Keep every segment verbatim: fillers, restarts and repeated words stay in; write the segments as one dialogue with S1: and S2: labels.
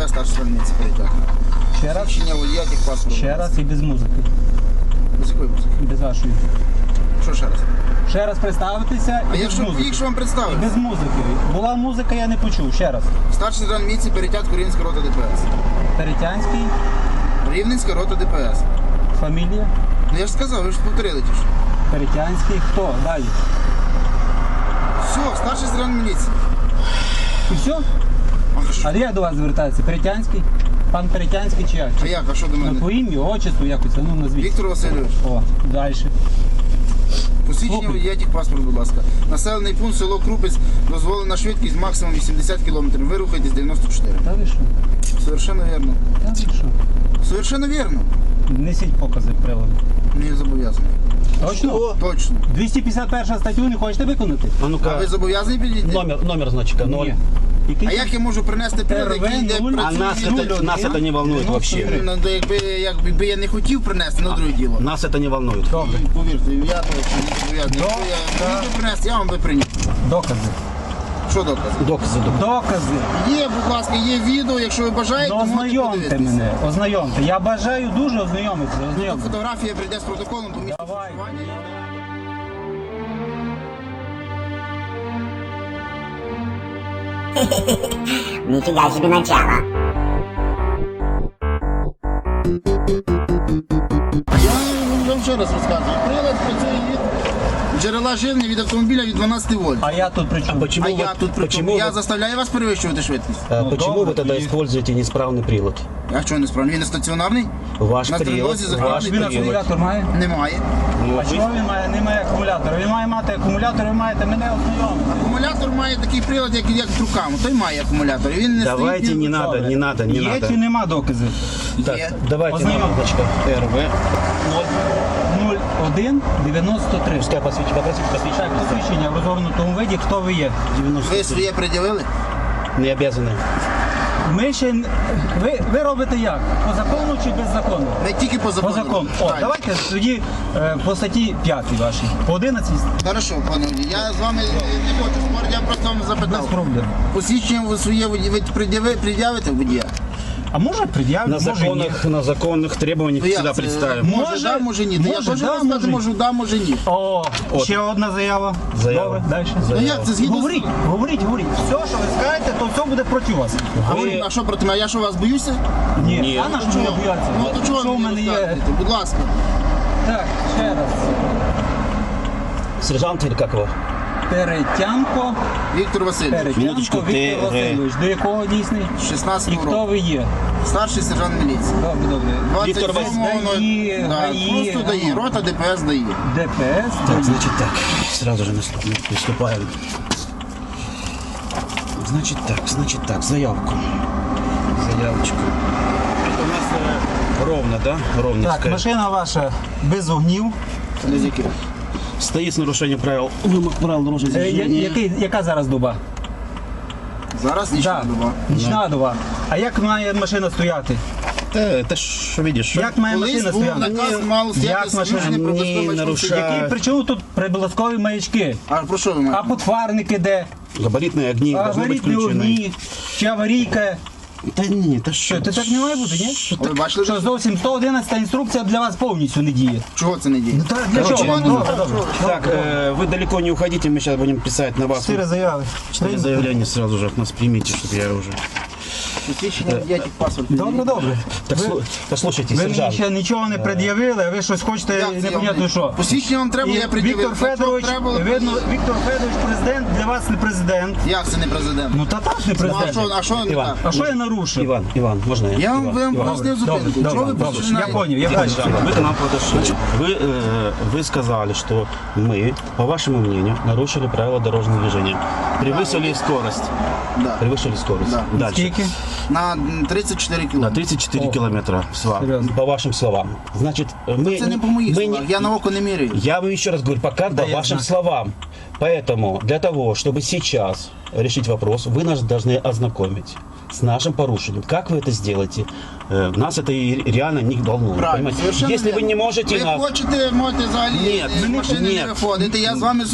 S1: ДПС, старший стрільниці перетяг.
S2: Ще раз?
S1: Свідчення водія, техпаспорт.
S2: Ще раз і без музики.
S1: Без якої музики?
S2: Без вашої.
S1: Що ще раз?
S2: Ще раз представитися
S1: А
S2: і
S1: я
S2: без
S1: що,
S2: музики.
S1: якщо вам представив?
S2: Без музики. Була музика, я не почув. Ще раз.
S1: Старший сержант міліції Перетяг, Рівненська рота ДПС.
S2: Перетянський,
S1: Рівненська рота ДПС.
S2: фамілія.
S1: Ну я ж сказав, ви ж повторили ті ж.
S2: Перетянський. Хто? Далі.
S1: Все, старший сержант міліції.
S2: І все?
S1: А що?
S2: А як до вас звертається? Перетянський? Пан Перетянський чи як?
S1: А як? А що до
S2: Ну,
S1: мене?
S2: по ім'ю, отчеству якось, а ну назвіть.
S1: Віктор Васильович.
S2: О, далі.
S1: Посвідчення
S2: Слухай.
S1: водія, техпаспорт, будь ласка. Населений пункт, село Крупець, дозволена швидкість максимум вісімдесят кілометрів. Ви рухаєтесь дев'яносто чотири.
S2: Та ви що?
S1: Совершенно вірно.
S2: Та ви що?
S1: Совершенно вірно.
S2: Несіть покази приладу.
S1: Не зобов'язаний.
S2: Точно?
S1: Точно.
S2: двісті п'ятдесят перша статтю не хочете виконати?
S3: А
S1: А
S3: ну-ка,
S1: ви зобов'язані підійти?
S3: номер, номер значка ноль.
S2: Ні. Який?
S1: А як я можу принести прилад, який йде
S2: РВ нуль.
S3: А нас
S1: працює?
S3: это, нас это не волнует вообще.
S1: Ну, то якби, якби я не хотів принести, на друге діло.
S3: Нас это не волнует.
S2: Добре.
S1: Повірте, я точно не зобов'язаний.
S2: Да,
S1: Якщо я
S2: да.
S1: хотів принести, я вам би приніс.
S2: Докази.
S1: Що докази?
S3: Доказы, доказы.
S2: Докази.
S1: Є, будь ласка, є відео, якщо ви бажаєте,
S2: Ну,
S1: то можете
S2: ознайомте
S1: подивитися.
S2: мене, ознайомте. Я бажаю дуже ознайомитися.
S1: То
S2: Ознайомте.
S1: фотографія прийде з протоколом по місцю
S2: Давай.
S1: проживання.
S4: Нифига себе начало.
S1: Я вам ще раз розказую. Прилад працює від джерела живлення від автомобіля від дванадцяти вольт.
S2: А я тут при чому?
S3: Почему
S1: А
S3: вы,
S1: я тут при
S3: почему,
S1: чому? Я
S3: вы,
S1: заставляю вас перевищувати швидкість.
S3: а,
S2: Ну,
S3: почему
S2: добре,
S3: вы тогда
S2: и-
S3: используете неисправный прилад?
S1: А чого не справді? Він не стаціонарний?
S3: Ваш
S1: На
S3: прилад,
S1: трилозі
S3: ваш
S1: закладений.
S2: Він
S3: прилад.
S2: акумулятор має?
S1: Немає.
S3: Ну,
S2: А
S3: вы-
S2: чого він має? Немає акумулятора. Він має мати акумулятор, ви маєте мене ознайомити.
S1: Акумулятор має такий прилад, як, як в рукам. Той має акумулятор. Він не
S3: Давайте
S1: стоїть.
S3: не надо, не надо, не
S2: Є
S3: надо.
S2: чи нема доказів?
S3: Так,
S1: Є.
S3: давайте
S2: Ознайом.
S3: номер значка эр вэ
S2: нуль один дев'яносто три.
S3: Пускай посвящение, попросите
S2: Так,
S3: посвящение.
S2: посвідчення в розгорнутому виді, хто ви є.
S1: Ви своє пред'явили?
S3: Не обязаны.
S2: Ми ще... н- Ви, ви робите як? По закону чи без закону?
S1: Не тільки по
S2: По
S1: закону.
S2: закону. О,
S1: Так.
S2: давайте тоді е, по статті п'ятій вашій. По одинадцятій
S1: Хорошо, пане водій. Я з вами не хочу спорити, я просто вам
S2: без
S1: запитав.
S2: проблем.
S1: Посвідчення ви своє водій- ви пред'яви- пред'явите водія?
S2: А може пред'явити,
S3: На
S2: може ні.
S3: законных, на законных требованиях
S1: Ну, як
S3: всегда
S1: це?
S3: представим.
S1: Може,
S2: Може,
S1: да, може ні. Та я
S2: може,
S1: теж
S2: да,
S1: вам сказати
S2: може ні.
S1: можу, да, може ні.
S2: О,
S3: От.
S2: ще одна заява.
S3: Заява.
S2: Добре, далі.
S1: Ну як це згідно? з-
S2: Говоріть, говоріть, говоріть. Все, що ви скажете, то все буде проти вас.
S1: А,
S3: Ви-
S1: ви, а що проти мене? Я що вас боюся?
S2: Ні,
S3: Ні.
S2: а на
S1: Ну,
S2: що ви
S1: чого?
S2: бояться?
S1: Ну то чого
S2: Що
S1: ви
S2: в
S1: мені
S2: мене є?
S1: розказуєте? Будь ласка.
S2: Так, ще раз.
S3: Сержант или как его?
S2: Перетянко,
S1: Віктор Васильович,
S3: Минуточку,
S2: Перетянко Віктор
S3: ти-
S2: Васильович. До якого дійсний? І
S1: шістнадцятого
S2: хто
S1: року.
S2: ви є?
S1: Старший сержант міліції.
S2: Добре, добре.
S3: Віктор
S1: двадцять сьомого,
S2: Даї,
S1: да,
S2: ГАІ,
S1: просто ДАІ,
S2: ага.
S1: рота ДПС ДАІ.
S2: ДПС.
S3: Так, значит так, сразу же наступ- приступаем. Значит так, значит так, заявку. Заявочку. Это у нас э, ровно, да?
S2: Так,
S3: Ровненская.
S2: машина ваша без вогнів.
S1: Не з яких.
S3: Стоит с нарушением правил, вымок правил дорожного
S2: Е, я-
S3: движения.
S2: який- Яка зараз доба?
S1: Зараз нічого
S2: Так,
S1: доба.
S2: нічна доба. А як має машина стояти?
S3: Э, это ж, видишь,
S2: Як має
S1: Колись
S2: машина
S1: був
S2: стояти?
S1: наказ, мало стояти
S2: Як машина?
S1: союзний
S3: Ні,
S1: прибутковий
S3: нарушає.
S1: маршрут.
S2: Які причому тут приблизкові маячки?
S1: А про що ви
S2: А
S1: маєте?
S2: подфарники де?
S3: габаритные огни
S2: А
S3: должны быть
S2: горітні
S3: включены.
S2: огні? Чи аварійка?
S3: Да не, это
S2: Що,
S3: что?
S2: це так не має бути, ні?
S1: Ви бачили?
S2: Що зовсім сто одинадцята інструкція для вас повністю не діє.
S1: Чого це не діє?
S2: Так, для
S3: Короче,
S2: чого?
S3: ну,
S2: Добре, добре.
S3: Так, э, вы далеко не уходите, мы сейчас будем писать на вас.
S2: Чотири заяви.
S3: Четыре заявления сразу же от нас примите, чтобы я уже...
S1: Посвідчення водія, паспорт.
S2: Добре, добре.
S3: Так,
S2: Ви-
S3: слу- послушайте,
S2: Ви мені
S3: сержант.
S2: ще нічого не пред'явили, а ви щось хочете
S1: Як це
S2: непонятно
S1: я-
S2: що.
S1: Посвідчення вам треба,
S2: І
S1: я пред'явив.
S2: Віктор
S1: Якщо
S2: Федорович,
S1: треба було-
S2: видно, Віктор Федорович президент, для вас не президент.
S1: Як це не президент?
S2: Ну та так не
S1: Ну, а
S2: президент.
S1: що, а що не
S3: Іван.
S1: так?
S2: А що я нарушив?
S3: Иван, Иван, можно я?
S1: Я вам
S3: Иван,
S1: вам
S3: Иван.
S1: пояснив зупинку.
S2: Добре,
S1: Чого ви
S2: добре,
S1: починаєте?
S2: я поняв, я
S3: Иван,
S2: бачу.
S3: вы к нам подошли. Вы, э, вы сказали, что мы, по вашему мнению, нарушили правила дорожного движения. Превысили скорость.
S1: Да.
S3: Превысили скорость.
S1: Да.
S3: Дальше.
S2: Скільки?
S1: На тридцять чотири
S3: На
S1: кілометри.
S3: тридцать четыре
S2: О.
S3: километра, с вами,
S2: Серьезно?
S3: по вашим словам. Значит, мы...
S1: Це не по моїх
S3: мы
S1: словах,
S3: не-
S1: я на око не міряю.
S3: Я вам еще раз говорю, пока по
S2: я
S3: вашим
S2: знаю.
S3: словам. Поэтому для того, чтобы сейчас решить вопрос, вы нас должны ознакомить с нашим порушением. Как вы это сделаете? Э, Нас это и реально не волнует.
S1: Правильно,
S3: понимаете?
S1: совершенно
S3: Если вы
S1: верно.
S3: не можете
S1: Ви
S3: нас...
S1: хочете, можете взагалі
S3: Ні,
S1: з
S3: ми не-
S1: машини
S3: ні.
S1: не виходити. Я з вами соло-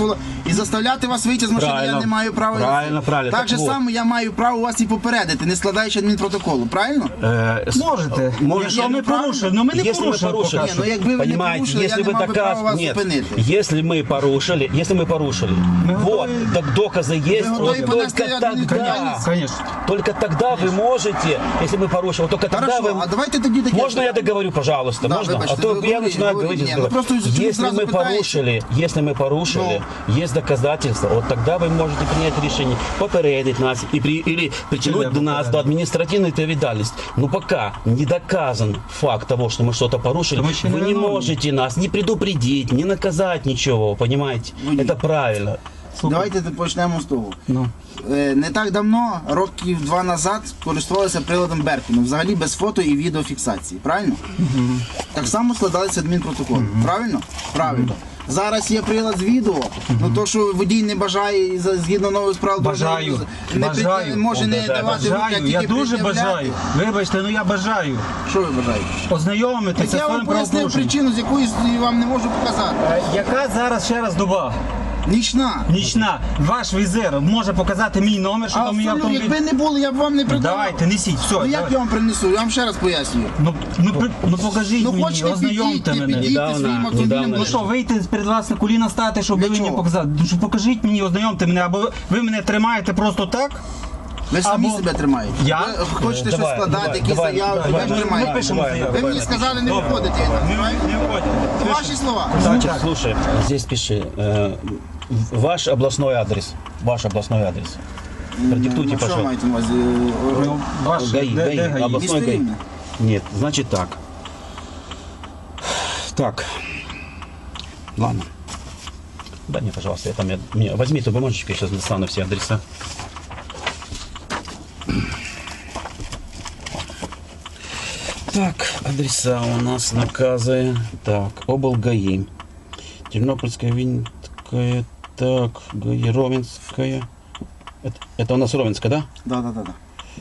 S1: І заставляти вас вийти з машини я
S3: Правильно.
S1: не маю права.
S3: Правильно, правильно.
S1: Так
S3: Так
S1: же
S3: вот.
S1: само я маю право вас і попередити, не складаючи адмінпротоколу, правильно?
S3: Э, с-
S2: Можете.
S3: Можете.
S2: Якщо ми порушили, ну ми не
S3: Если мы
S2: порушили.
S3: порушили,
S2: поки
S1: Ні, ну якби ви не
S3: понимаете,
S1: порушили,
S3: если
S1: я не
S3: вы
S1: мав би права
S3: доказ...
S1: вас
S3: Нет,
S1: зупинити.
S3: если мы порушили, если мы порушили,
S2: Мы
S3: вот,
S2: готовы-
S3: так доказы есть,
S1: готовы
S3: вот
S1: понести
S3: только тогда,
S1: административную
S2: Конечно.
S3: только тогда вы можете, если мы порушили, вот только тогда
S1: Хорошо,
S3: вы...
S1: а давайте тоді таке.
S3: Можно я договорю, пожалуйста?
S1: Да,
S3: Можно?
S1: вибачте,
S3: а то
S1: ви
S3: я
S1: говоріть,
S3: начинаю
S1: говоріть.
S3: говорить.
S1: Ні, ну просто чому
S3: если
S1: зразу
S3: мы
S1: питаєте?
S3: порушили, если мы порушили, есть доказательства, вот тогда вы можете принять решение попередить нас и при, или притянуть
S2: Или
S3: до нас до
S2: попередить.
S3: административной ответственности. Но пока не доказан факт того, что мы что-то порушили,
S2: То мы еще
S3: вы
S2: не
S3: не
S2: виновны.
S3: можете нас не предупредить, не наказать ничего, понимаете?
S1: Вы-
S3: Это правильно.
S1: Давайте почнемо з того.
S2: Ну.
S1: Е, Не так давно, років два назад, користувалися приладом Беркіну, взагалі без фото і відеофіксації, правильно? Так само складалися адмінпротоколи, правильно? Правильно. Зараз є прилад з відео, ну то, що водій не бажає і за- згідно нових правил
S2: Бажаю.
S1: дорожнього руху, не
S2: Бажаю.
S1: пред- може
S3: Он
S1: не
S3: бажає.
S1: давати руки, а
S2: Бажаю, я
S1: тільки
S2: дуже
S1: пред'являти.
S2: бажаю. Вибачте, ну я бажаю.
S1: Що ви бажаєте?
S2: Ознайомитися з
S1: Я вам
S2: своїм
S1: пояснив
S2: правопорушенням.
S1: причину, з якої я вам не можу показати.
S2: Е, Яка зараз ще раз доба?
S1: Нічна.
S2: Нічна. Ваш візир може показати мій номер, що
S1: А
S2: там мій
S1: абсолютно,
S2: автомобіль.
S1: якби не було, я б вам не придавав.
S2: Давайте, несіть, все.
S1: Ну як
S2: давай.
S1: я вам принесу? Я вам ще раз пояснюю.
S2: Ну, ну, при- ну покажіть
S1: Ну
S2: мені,
S1: хочете
S2: ознайомте
S1: підійти,
S2: мене.
S1: підійти
S3: Недавно,
S1: своїм автомобілем.
S3: недавно.
S2: Ну що, вийти перед вас на коліна стати, щоб
S1: Для
S2: ви мені
S1: чого?
S2: показати? Ну що покажіть мені, ознайомте мене, або ви мене тримаєте просто так.
S1: Ви самі
S2: Або-
S1: себе тримаєте.
S2: Я?
S1: Ви хочете
S3: Е,
S1: щось
S3: давай,
S1: складати,
S3: давай,
S1: якісь
S3: давай,
S1: заяви,
S3: давай,
S1: ви ж
S3: давай,
S1: тримаєте.
S2: Ми пишемо
S3: давай,
S2: заяву.
S1: Ви мені сказали не виходити від нас,
S2: Не,
S1: правильно?
S2: не виходьте.
S1: Ваші слова.
S3: Значит, слушай, здесь пиши. э, ваш областной адрес. Ваш областной адрес. Продиктуйте,
S1: Ну, що
S3: пожалуйста.
S1: маєте на увазі?
S2: Ну, ваш,
S3: ГАИ,
S2: де-
S3: ГАИ,
S2: де ГАИ?
S3: областной
S1: Місто
S3: ГАИ.
S1: Рівне.
S3: Нет, значит так. Так. Ладно. Дай мне, пожалуйста, я там, я, мне, возьми эту бумажечку, я сейчас достану все адреса. Так, адреса у нас наказы. Так, облгаи. Тернопольская, Винницкая, так, ГАИ, Ровенская. Это, это у нас Ровенская, да?
S1: Да, да, да, да.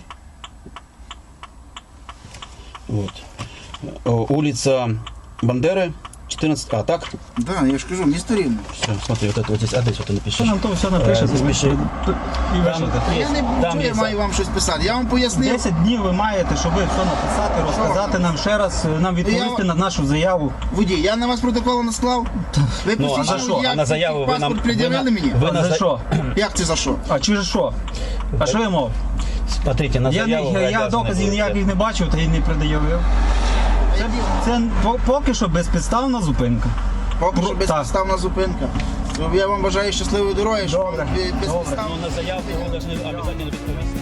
S3: Вот. Э, Улица Бандеры, четырнадцать. А, так?
S1: Да, я ж кажу, місто Рівне.
S3: Все, смотри, вот это вот здесь адрес, вот ты напишешь.
S2: Що нам то все напише?
S3: Е, запиши.
S2: І вишити.
S1: Я не
S3: Там
S1: чую, я
S3: є
S1: маю вам щось писати. Я вам пояснив.
S2: десять днів ви маєте, щоб все написати, розказати нам ще раз, нам відповісти
S1: Я-
S2: на нашу заяву.
S1: Водій, я на вас протокол насклав. Ви
S3: Ну, а за
S1: посвідчили,
S3: що?
S1: як
S3: А на заяву ви нам...
S1: паспорт
S3: ви
S1: пред'явили
S3: на-
S1: мені?
S3: ви
S2: А
S3: на
S2: за
S3: за-
S2: що?
S1: Як це за що?
S2: А через що? А що я мав?
S3: Смотрите, на
S2: Я, не,
S3: заяву вы
S2: я, я
S3: обязаны
S2: доказів
S3: будете.
S2: ніяких не бачив та й не пред'явив. Це, це по- поки що безпідставна зупинка.
S1: Поки що
S2: Так.
S1: безпідставна зупинка. Я вам бажаю щасливої дороги, щоб
S2: Добре,
S1: ви
S2: добре.
S1: безпідставно.
S3: Ну, на заявку вы должны обязательно відповісти.